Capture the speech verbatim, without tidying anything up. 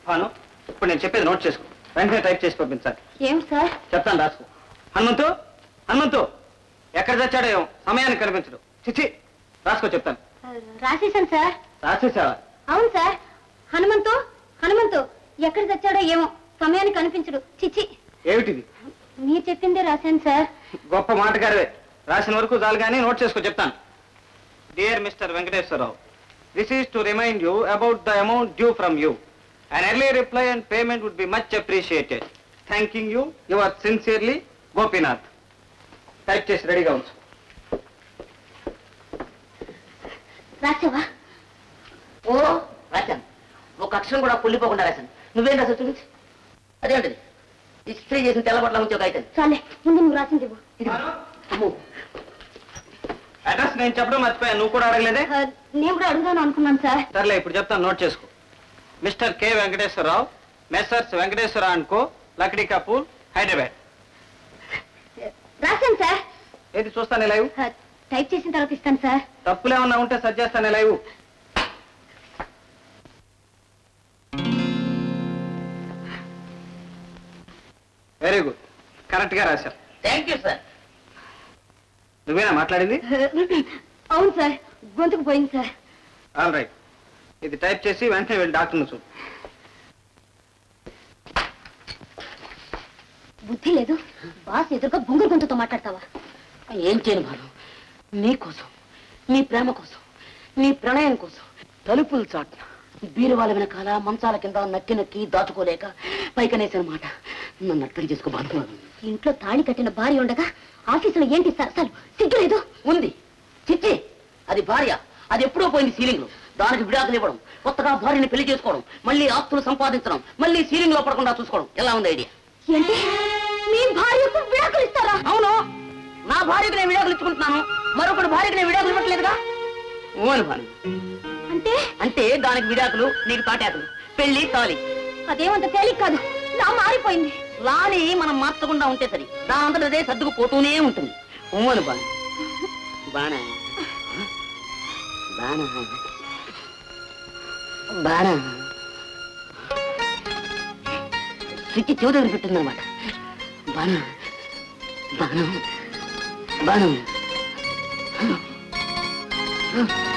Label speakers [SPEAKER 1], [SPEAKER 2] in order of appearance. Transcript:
[SPEAKER 1] భాను ఇప్పుడు నేను చెప్పేది నోట్ చేసుకో వెంటనే టైప్ చేసి పంపించాలి
[SPEAKER 2] ఏం సార్
[SPEAKER 1] చెప్తాను రాసుకో హనుమంతు హనుమంతు ఎక్కడ తెచ్చాడో ఏమో సమయానికి కనిపించడు చిచ్చి రాసుకో చెప్తాను
[SPEAKER 2] రాసేసాను సార్
[SPEAKER 1] రాసేసావా
[SPEAKER 2] అవును సార్ హనుమంతు హనుమంతు ఎక్కడ తెచ్చాడో ఏమో సమయానికి కనిపించడు చిచ్చి
[SPEAKER 1] ఏమిటిది
[SPEAKER 2] మీరు చెప్పిందే రాశాను సార్
[SPEAKER 1] గొప్ప మాటగారివే రాసిన వరకు చాలు కానీ నోట్ చేసుకో చెప్తాను dear mister Venkateswararao this is to remind you about the amount due from you an early reply and payment would be much appreciated thanking you you are sincerely Gopinath type చేసి రెడీగా ఉంచు
[SPEAKER 2] రాసావా
[SPEAKER 3] ఓ రాశాను ఒక అక్షరం కూడా పుల్లిపోకుండా రాశాను నువ్వేం రాసావు చూపించి అదేంటది ఇస్త్రీ చేసిన తెల్లబట్ల ఉంచే ఒక అయితే
[SPEAKER 2] చాలే ముందు నువ్వు రాసింది
[SPEAKER 3] అమ్మో
[SPEAKER 1] అడ్రస్ నేను చెప్పడం మర్చిపోయాను నువ్వు కూడా అడగలేదే
[SPEAKER 2] నేను కూడా అడుగుదాను అనుకున్నాను సార్
[SPEAKER 1] సర్లే ఇప్పుడు చెప్తాను నోట్ చేసుకో mister K Venkateswararao messrs Venkateswara and co Lakdi Kapur Hyderabad
[SPEAKER 2] రాశాను సార్
[SPEAKER 1] ఏది చూస్తాను లైవ్
[SPEAKER 2] టైప్ చేసిన తర్వాత ఇస్తాను సార్
[SPEAKER 1] తప్పులేమన్నా ఉంటే సరి చేస్తాను లైవ్ వెరీ గుడ్ కరెక్ట్ గా రాశావు
[SPEAKER 3] థ్యాంక్ యూ సార్
[SPEAKER 1] నువ్వేనా మాట్లాడింది
[SPEAKER 2] అవును సార్ గొంతుకు పోయింది సార్
[SPEAKER 1] ఆల్ రైట్ ఇది టైప్ చేసి వెంటనే వెళ్ళి డాక్టర్ని చూడు
[SPEAKER 2] బుద్ధి లేదు బాస్ ఎదురుగా బొంగురు గొంతుతో మాట్లాడతావా
[SPEAKER 3] ఏం చేయను భాను నీకోసం నీ ప్రేమ కోసం నీ ప్రణయం కోసం తలుపులు చాటున బీరువాల వెనకాల మంచాల కింద నక్కి నక్కి దాచుకోలేక పైకనేసిన మాట నన్ను అర్థం చేసుకో భాను
[SPEAKER 2] ఇంట్లో తాళి కట్టిన భార్య ఉండగా ఆఫీసులో ఏంటి సరసాలు సిగ్గులేదు
[SPEAKER 3] ఉంది చిచ్చి అది భార్య అది ఎప్పుడో పోయింది సీలింగ్ లో దానికి విడాకులు ఇవ్వడం కొత్తగా భార్యని పెళ్లి చేసుకోవడం మళ్ళీ ఆస్తులు సంపాదించడం మళ్ళీ సీలింగ్ లో పడకుండా చూసుకోవడం ఎలా ఉంది ఐడియా
[SPEAKER 2] ఏంటి మీ భార్యకు విడాకులు ఇస్తారా
[SPEAKER 3] అవును నా భార్యకు నేను విడాకులు ఇచ్చుకుంటున్నాను మరొకటి భార్యకు నేను విడాకులు ఇవ్వట్లేదుగా ఓను భాను
[SPEAKER 2] అంటే
[SPEAKER 3] అంటే దానికి విడాకులు నీకు తాటాకులు పెళ్లి తాలి
[SPEAKER 2] అదేమంత తేలిక కాదు నా మారిపోయింది
[SPEAKER 3] లాని మనం మార్చకుండా ఉంటే సరి దానంతట అదే సర్దుకు పోతూనే ఉంటుంది ఓను బాను బానా బానా బానా స్విచ్ చెవి దగ్గర పెట్టిందనమాట బాను బాను బాను